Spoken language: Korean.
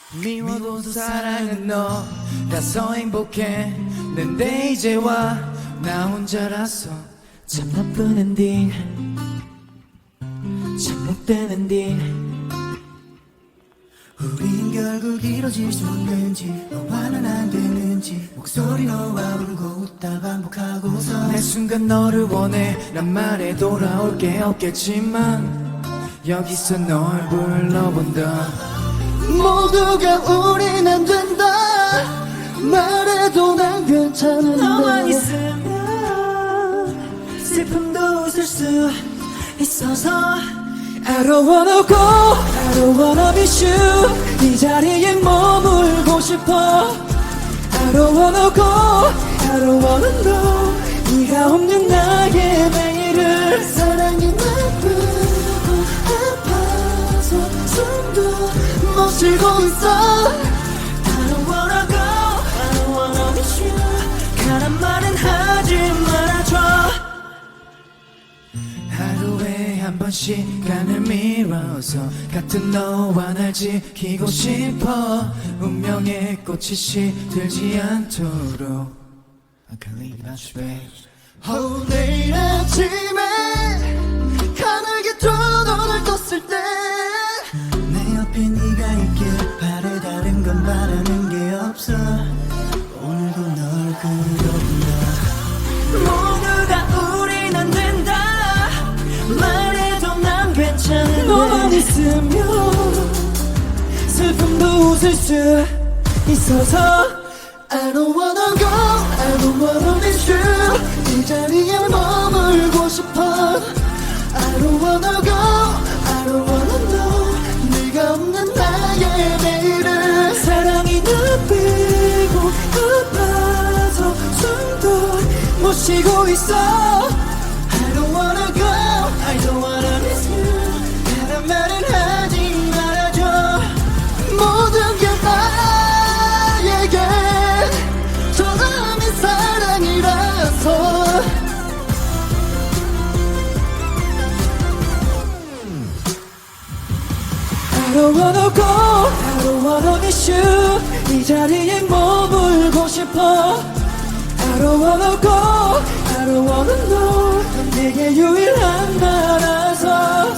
미워도 사랑은 너라서 행복했는데 이제 와 나 혼자라서 참 나쁜 엔딩 참 못된 엔딩. 우린 결국 이뤄질 수 있는지 너와는 안 되는지 목소리 너와 울고 웃다 반복하고서 매 순간 너를 원해 란 말에 돌아올 게 없겠지만 여기서 널 불러본다. 모두가 우린 안 된다 말해도 난 괜찮은데 너만 있으면 슬픔도 웃을 수 있어서 I don't wanna go, I don't wanna miss you. 이 자리에 머물고 싶어. I don't wanna go, I don't wanna know. 네가 없는 나의 매일을 사랑이 나쁘고 아파서 숨도 못 쉬고 있어 I don't wanna go, I don't wanna miss you. 가란 말은 하지 말아줘. 하루에 한 번 시간을 밀어서 같은 너와 날 지키고 싶어. 운명의 꽃이 시들지 않도록 I can't live without you, babe. 내일 아침에 하늘게 두 눈을 떴을 때 내 옆에 네가 있길 바래. 다른 건 바라는 게 없어. 오늘도 널 그려본다. 모두가 우린 안 된다 말해도 난 괜찮은데 너만 있으면 슬픔도 웃을 수 있어서 I don't wanna go, I don't wanna miss you. 이 자리에 머물고 싶어. I don't wanna go, I don't wanna know. 네가 없는 나의 매일을 사랑이 나쁘고 아파서 숨도 못 쉬고 있어. I don't wanna go, I don't wanna miss you. 다른 말은 하지 말아줘. 모든 게 나에게 처음인 사랑이라서 I don't wanna go, I don't wanna miss you. 이 자리에 머물고 싶어. I don't wanna go, I don't wanna know. 내게 유일한 나라서